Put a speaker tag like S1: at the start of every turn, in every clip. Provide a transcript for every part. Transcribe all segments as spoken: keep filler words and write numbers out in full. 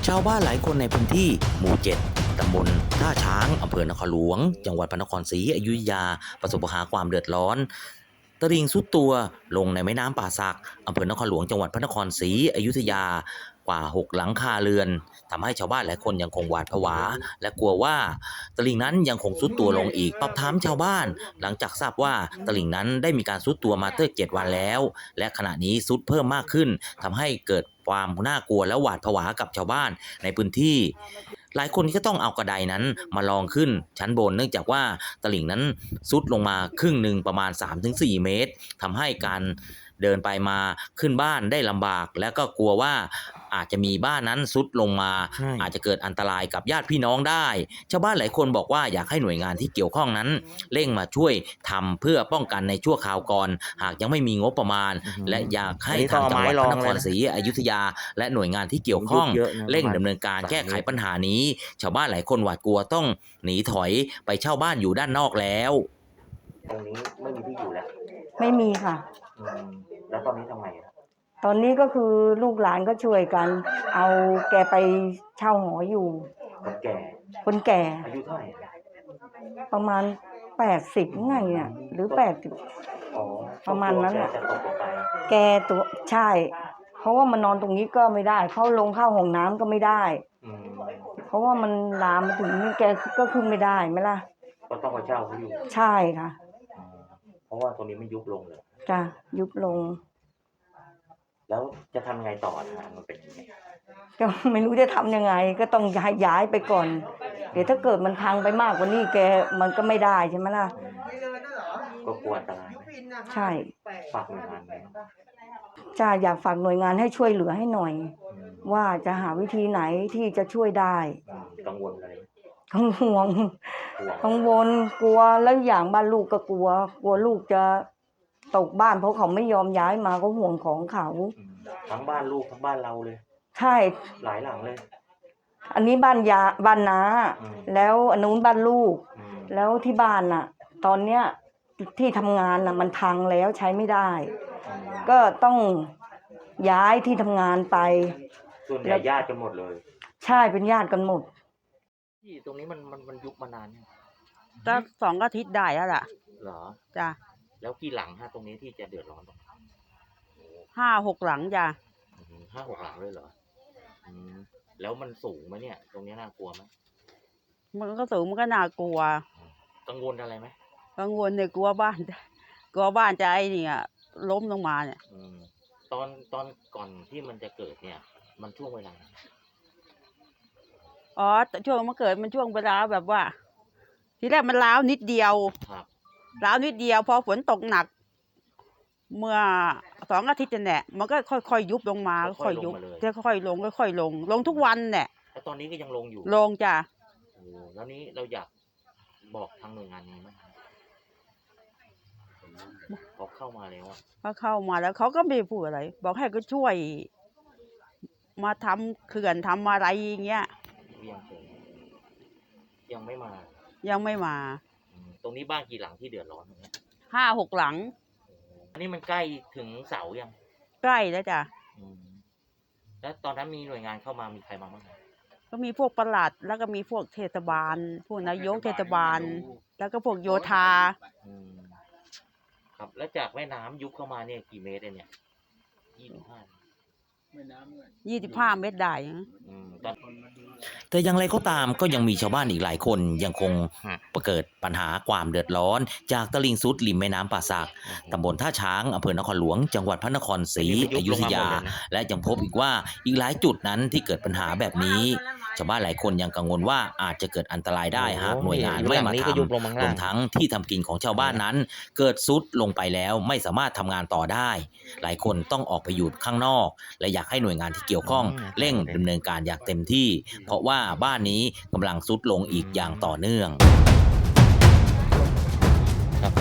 S1: ชาวบ้านหลายคนในพื้นที่หมู่เจ็ดตำบลท่าช้างอำเภอนครหลวงจังหวัดพระนครศรีอยุธยาประสบปัญหาความเดือดร้อนตลิ่งทรุดตัวลงในแม่น้ำป่าสักอำเภอนครหลวงจังหวัดพระนครศรีอยุธยากว่าหกหลังคาเรือนทำให้ชาวบ้านหลายคนยังคงหวาดผวาและกลัวว่าตลิ่งนั้นยังคงทรุดตัวลงอีกสอบถามชาวบ้านหลังจากทราบว่าตลิ่งนั้นได้มีการทรุดตัวมาตั้งเจ็ดวันแล้วและขณะนี้ทรุดเพิ่มมากขึ้นทำให้เกิดความน่ากลัวและหวาดผวากับชาวบ้านในพื้นที่หลายคนก็ต้องเอากระไดนั้นมาลองขึ้นชั้นบนเนื่องจากว่าตลิ่งนั้นทรุดลงมาครึ่งหนึ่งประมาณ สามถึงสี่ เมตรทำให้การเดินไปมาขึ้นบ้านได้ลำบากและก็กลัวว่าอาจจะมีบ้านนั้นทรุดลงมาอาจจะเกิดอันตรายกับญาติพี่น้องได้ชาวบ้านหลายคนบอกว่าอยากให้หน่วยงานที่เกี่ยวข้องนั้นเร่งมาช่วยทำเพื่อป้องกันในชั่วคราวก่อนหากยังไม่มีงบประมาณและอยากให้ทางจังหวัดพระนครศรีอยุธยาและหน่วยงานที่เกี่ยวข้องเร่งดำเนินการแก้ไขปัญหานี้ชาวบ้านหลายคนหวาดกลัวต้องหนีถอยไปเช่าบ้านอยู่ด้านนอกแล้วตรงนี้ไม่มีที่อยู่แล้ว
S2: ไม่มีค่ะ
S1: แล้วตอนนี้ทำไง
S2: ตอนนี้ก็คือลูกหลานก็ช่วยกันเอาแกไปเช่าหออยู่
S1: คนแก่
S2: คนแก่
S1: อายุเท่าไหร่
S2: ประมาณแปดสิบไงอ่ะหรือแปดสิบประมาณนั้นแหละแกตัวใช่เพราะว่ามันนอนตรงนี้ก็ไม่ได้เขาลงเข้าห้องน้ำก็ไม่ได้เพราะว่ามันลามมาถึงนี่แกก็ขึ้นไม่ได้ไหมล่ะ
S1: ก็ต้องมาเช่าเขาอยู่
S2: ใช่ค่ะ
S1: เพราะว่าตรงนี้ไม่ยุบลงเลย
S2: จ้ะยุบลง
S1: แล้วจะทำไงต่อทางมันเป็นยังไง
S2: ก็ไม่รู้จะทำยังไงก็ต้องย้ายย้ายไปก่อนเดี๋ยวถ้าเกิดมันพังไปมากกว่านี้แกมันก็ไม่ได้ใช่ไหมล่ะ
S1: ก็กลัวอันตราย
S2: ใช่
S1: ฝากหน่วยงานไหม
S2: จ้าอยากฝากหน่วยงานให้ช่วยเหลือให้หน่อยว่าจะหาวิธีไหนที่จะช่วยได้
S1: กังวลอะไร
S2: กังวลกังวลกลัวแล้วอย่างบ้านลูกก็กลัวกลัวลูกจะตกบ้านเพราะเขาไม่ยอมย้ายมาก็ห่วงของเขา
S1: ทั้งบ้านลูกทั้งบ้านเราเลย
S2: ใช่
S1: หลายหลังเลย
S2: อันนี้บ้านยาบ้านน้าแล้วอันนู้นบ้านลูกแล้วที่บ้านน่ะตอนเนี้ยที่ทำงานน่ะมันพังแล้วใช้ไม่ได้ก็ต้องย้ายที่ทำงานไป
S1: ส่วนใหญ่ญาติกันหมดเลย
S2: ใช่เป็นญาติกันหมด
S1: ที่ตรงนี้มันมันมันยุบมานานเนี่ย
S2: ก็สองอาทิตย์ได้แล้วล่ะ
S1: เหรอ
S2: จ้ะ
S1: แล้วกี่หลังฮะตรงนี้ที่จะเดือดร้อน
S2: ห้าหกหลังจ้ะ
S1: ห้าหกหลังเลยเหรอแล้วมันสูงไหมเนี่ยตรงนี้น่ากลัวไหม
S2: มันก็สูงมันก็น่ากลัว
S1: กังวลอะไรไหม
S2: กังวลเนี่ยกลัวบ้านกลัวบ้านจะไอ้นี่อ่ะล้มลงมาเนี่ย
S1: ตอนตอนก่อนที่มันจะเกิดเนี่ยมันช่วงเวลา
S2: อ๋อช่วงมันเกิดมันช่วงเวลาแบบว่าทีแรกมันร้าวนิดเดียวร้าวนิดเดียวพอฝนตกหนักเมื่อสองอาทิตย์เนี่ยมันก็ค่อยๆยุบลงมาค่อยยุบจะค่อยๆลงค่อยๆลงลงทุกวันเนี่ย
S1: แล้วตอนนี้ก็ยังลงอยู่
S2: ลงจ้ะ
S1: โอ้แล้วนี้เราอยากบอกทางหน่วยงานนี้ไหมเขาเข้ามาแล้ว
S2: เขาเข้ามาแล้วเขาก็ไม่พูดอะไรบอกให้ก็ช่วยมาทำเขื่อนทำอะไรอย่างเงี้ย
S1: ยังยังไม่มา
S2: ยังไม่มา
S1: ตรงนี้บ้านกี่หลังที่เดือดร้อนเนี่ย
S2: ห้าหกหลัง
S1: อันนี้มันใกล้ถึงเสายัง
S2: ใกล้แล้วจ้ะ
S1: แล้วตอนนั้นมีหน่วยงานเข้ามามีใครมาบ้าง
S2: ก็มีพวกปลัดแล้วก็มีพวกเทศบาลพวกนายกเทศบาลแล้วก็พวกโยธา
S1: ครับแล้วจากแม่น้ำยุบเข้ามาเนี่ยกี่เมตรเนี่ยยี่สิบห้า
S2: ยี่สิบห้าเมตรได้
S1: แต่อย่างไรก็ตามก็ยังมีชาวบ้านอีกหลายคนยังคงเกิดปัญหาความเดือดร้อนจากตลิ่งทรุดริมแม่น้ำป่าสักตำบลท่าช้างอำเภอนครหลวงจังหวัดพระนครศรีอยุธยาและยังพบอีกว่าอีกหลายจุดนั้นที่เกิดปัญหาแบบนี้ชาวบ้านหลายคนยังกังวลว่าอาจจะเกิดอันตรายได้หากหน่วยงานไม่มาทำรวมทั้งที่ทำกินของชาวบ้านนั้นเกิดทรุดลงไปแล้วไม่สามารถทำงานต่อได้หลายคนต้องออกไปอยู่ข้างนอกและอยากให้หน่วยงานที่เกี่ยวข้องเร่งดำเนินการอย่างเต็มที่เพราะว่าบ้านนี้กำลังทรุดลงอีกอย่างต่อเนื่องครับ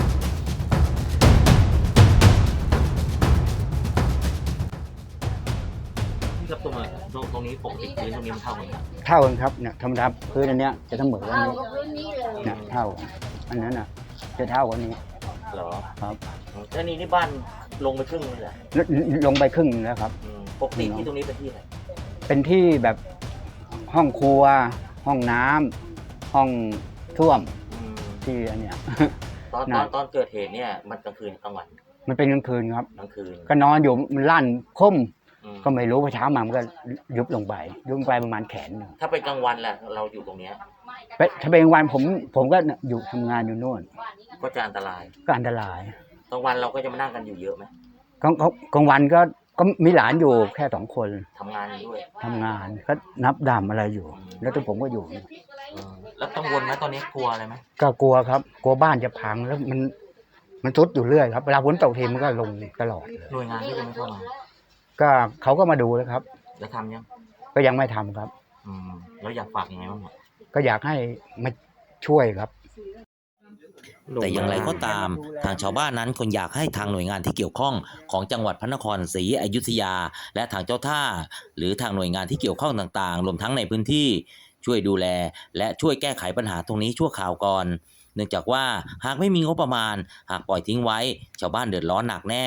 S1: ที่ครับตรงนี้ตรงนี้ปกติพื้นตรงนี้มันเท่ากัน
S3: เท่ากันครับเนี่ยธรรมดาพื้นอันเนี้ยจะเสมอกันนี้เนี่ยเท่าอันนั้นอ่ะจะเท่ากันนี้
S1: เหรอ
S3: ครับ
S1: แล้วนี่นี่บ้านลงไปครึ่งเลยเหรอ
S3: ลงไปครึ่งแล้วครับ
S1: ปกติที่ตรงนี้เป็นที่ไหน
S3: เป็นที่แบบห้องครัว ห้องน้ำห้องท่วม
S1: อืม
S3: ที่อันเนี้ย
S1: ตอนต
S3: น่ะ
S1: อนตอนเกิดเหตุเนี่ยมันกลางคืนกลางวัน
S3: มันเป็นกลางคืนครับ
S1: กลางคืน
S3: ก็นอนอยู่มันลั่นคม
S1: อืม
S3: ก็ไม่รู้พอเช้ามามันก็ยุบลงไปยุบลงไปประมาณแขนหนึ่ง
S1: ถ้าเป็นกลางวันแหละเราอยู่ตรงเนี้ย
S3: ไปถ้าเป็นกลางวันผมผมก็อยู่ทำงานอยู่โน่น
S1: ก็จะอันตราย
S3: ก็อันตราย
S1: กลางวันเราก็จะมานั่งกันอยู่เยอะไหม
S3: กลางกลางวันก็ก็มีหลานอยู่แค่สองคน
S1: ทำงานอยู่ด้วย
S3: ทำงานก็นับดำอะไรอยู่ แล้วตัวผมก็อยู่
S1: อืมแล้วกังวลไหมตอนนี้กลัวอะไรไหม
S3: ก็กลัวครับ กลัวบ้านจะพังแล้วมันมันทรุดอยู่เรื่อยครับเวลาฝนตกทีมันก็ลงตลอดเลย
S1: หน่วยงานที่จะไม่เข้ามา
S3: ก็เขาก็มาดูแล้วครับ
S1: แล้วทำยัง
S3: ก็ยังไม่ทำครับ
S1: อืมแล้วอยากฝากยังไงบ้างเนี่ย
S3: ก็อยากให้มาช่วยครับ
S1: แต่อย่างไรก็ตามทางชาวบ้านนั้นคนอยากให้ทางหน่วยงานที่เกี่ยวข้องของจังหวัดพระนครศรีอยุธยา และทางเจ้าท่า หรือทางหน่วยงานที่เกี่ยวข้องต่างๆรวมทั้งในพื้นที่ช่วยดูแล และช่วยแก้ไขปัญหาตรงนี้ชั่วคราวก่อน เนื่องจากว่าหากไม่มีงบประมาณ หากปล่อยทิ้งไว้ ชาวบ้านเดือดร้อนหนักแน่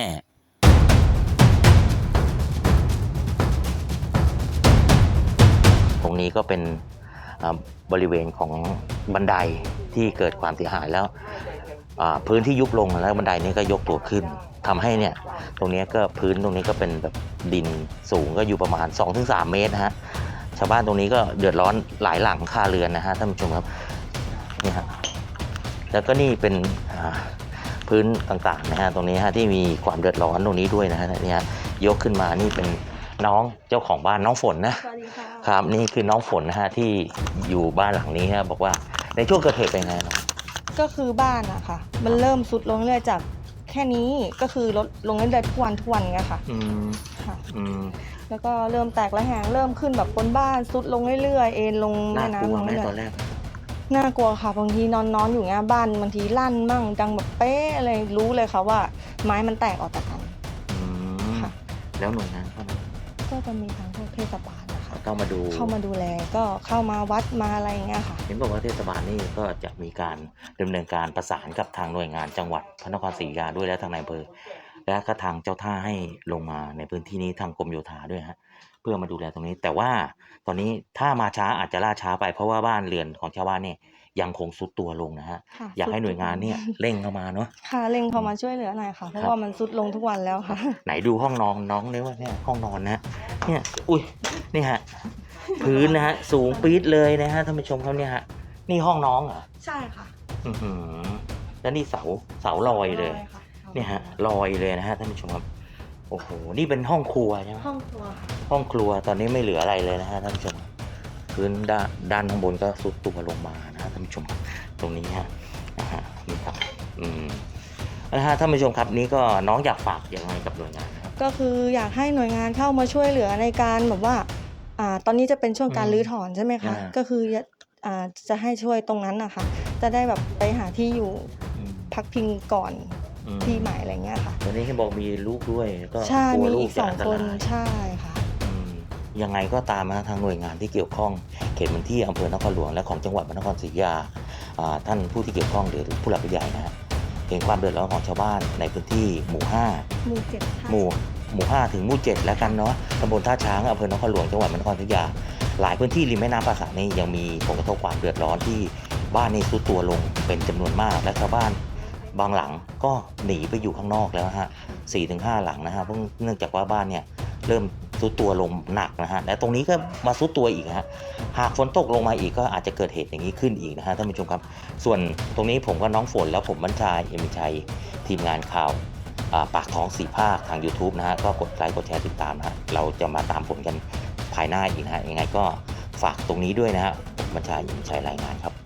S1: ตรงนี้ก็เป็นบริเวณของบันไดที่เกิดความเสียหายแล้วพื้นที่ยุบลงแล้วบันไดนี้ก็ยกตัวขึ้นทำให้เนี่ยตรงนี้ก็พื้นตรงนี้ก็เป็นแบบดินสูงก็อยู่ประมาณ สองถึงสาม เมตรนะฮะชาวบ้านตรงนี้ก็เดือดร้อนหลายหลังคาเรือนนะฮะท่านผู้ชมครับนี่ฮะแล้วก็นี่เป็นพื้นต่างๆนะฮะตรงนี้ฮะที่มีความเดือดร้อนตรงนี้ด้วยนะฮะนี่ฮะยกขึ้นมานี่เป็นน้องเจ้าของบ้านน้องฝนนะ
S4: สวัสดีค่ะ
S1: ครับนี่คือน้องฝนนะฮะที่อยู่บ้านหลังนี้ฮะบอกว่าในช่วงเกิดเหตุเป็นไงน้อง
S4: ก็คือบ้านอะค่ะ มันเริ่มสุดลงเรื่อยๆจากแค่นี้ก็คือลดลงเรื่อยๆทุกวันทุกวันไงค่ะ
S1: อืม
S4: ค่ะ
S1: อืม
S4: แล้วก็เริ่มแตกระแหงเริ่มขึ้นแบบบนบ้านสุดลงเรื่อยๆเอ็นลง
S1: น่า
S4: แม่
S1: กลัว
S4: น้ำลง
S1: ไหม
S4: เรื่อย
S1: ตอนแรก
S4: ๆน่ากลัวค่ะบางทีนอนนอนอยู่เงี้ยบ้านบางทีลั่นมั่งดังแบบเป๊ะอะไรรู้เลยค่ะว่าไม้มันแตกออกจากกัน
S1: อืม
S4: ค่ะ
S1: แล้วหน่วยงานเข้ามา
S4: ก็จะมีทางพวกเทศบาลนะคะ
S1: เข้ามาดู
S4: เข้ามาดูแลก็เข้ามาวัดมาอะไรอย่างเงี้ยค่ะ
S1: เห็นบอกว่าเทศบาลนี่ก็จะมีการดำเนินการประสานกับทางหน่วยงานจังหวัดพระนครศรีอยุธยาด้วยและทางนายอำเภอและก็ทางเจ้าท่าให้ลงมาในพื้นที่นี้ทางกรมโยธาด้วยฮะเพื่อมาดูแลตรงนี้ แต่ว่าตอนนี้ถ้ามาช้าอาจจะล่าช้าไปเพราะว่าบ้านเรือนของชาวบ้านเนี่ยยังคงทรุดตัวลงนะฮะ
S4: ค่ะ
S1: อยากให้หน่วยงานเนี่ยเร่งเข้ามาเนาะ
S4: ค่ะเร่งเข้ามาช่วยเหลือหน่อยค่ะ เพ
S1: ครั
S4: ราะ
S1: บ
S4: ว่ามันสุดลงทุกวันแล้วค่ะ
S1: ไหนดูห้องนอนน้องเนี่ยว่าเนี่ยห้องนอนนะเนี่ยอุ้ยนี่ฮะพื้นนะฮะสูงปี๊ดเลยนะฮะท่านผู้ชมเขาเนี่ยฮะนี่ห้องน้องเหรอ
S4: ใช่ค่ะ
S1: อือหือแล้วนี่เสาเสาลอยเลยเนี่ยฮะลอยเลยนะฮะท่านผู้ชมครับโอ้โหนี่เป็นห้องครัวใช่ไหม
S4: ห้องครัวค่ะ
S1: ห้องครัวตอนนี้ไม่เหลืออะไรเลยนะฮะท่านผู้ชมพื้นด้านด้านข้างบนก็ทรุดตัวลงมานะฮะท่านผู้ชมตรงนี้ฮะนะฮะนี่ครับอืมนะฮะท่านผู้ชมครับนี่ก็น้องอยากฝากอย่างไรกับหน่วยงานนะครับ
S4: ก็คืออยากให้หน่วยงานเข้ามาช่วยเหลือในการแบบว่าอ่าตอนนี้จะเป็นช่วงการ
S1: อืม
S4: รื้อถอนใช่ไหมคะ
S1: อ่า
S4: ก็คืออ่าจะให้ช่วยตรงนั้นนะคะจะได้แบบไปหาที่อยู่
S1: อืม
S4: พักพิงก่อน
S1: อืม
S4: ที่ใหม่อะไรเงี้ยค่ะ
S1: ตอนนี้เห็นบอกมีลูกด้วยก็
S4: ใช่
S1: กลัว
S4: มี
S1: ลู
S4: อี
S1: ก
S4: ก
S1: จะ
S4: สอง
S1: อันต
S4: คน
S1: ราย
S4: ใช่ค่ะ
S1: อืมยังไงก็ตามนะทางหน่วยงานที่เกี่ยวข้องเขตพื้นที่อำเภอนครหลวงและของจังหวัดพระนครศรีอยุธยาอ่าท่านผู้ที่เกี่ยวข้องหรือผู้หลักผู้ใหญ่นะฮะเห็นความเดือดร้อนของชาวบ้านในพื้นที่หมู่ห้า
S4: หมู่เจ็ด
S1: หมู่หมู่ห้าถึงหมู่เจ็ดแล้วกันเนาะตำบลท่าช้างอำเภอนครหลวงจังหวัดพระนครศรีอยุธยาหลายพื้นที่ริมแม่น้ำป่าสักนี่ยังมีผลกระทบความเดือดร้อนที่บ้านนี่ทรุดตัวลงเป็นจำนวนมากและชาวบ้านบางหลังก็หนีไปอยู่ข้างนอกแล้วฮะสี่ถึงห้าหลังนะฮะเพราะเนื่องจากว่าบ้านเนี่ยเริ่มทรุดตัวลงหนักนะฮะและตรงนี้ก็มาทรุดตัวอีกฮะหากฝนตกลงมาอีกก็อาจจะเกิดเหตุอย่างนี้ขึ้นอีกนะฮะท่านผู้ชมครับส่วนตรงนี้ผมก็น้องฝนแล้วผมบรรชายเอ็มชัยทีมงานข่าว ปากท้องสี่ภาคทาง YouTube นะฮะก็กดไลค์กดแชร์ติดตามนะฮะเราจะมาตามผลกันภายหน้าอีกนะฮะยังไงก็ฝากตรงนี้ด้วยนะฮะผมบัญชายินชัยรายงานครับ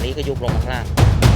S1: นี้ก็ยุบลงมาข้างล่าง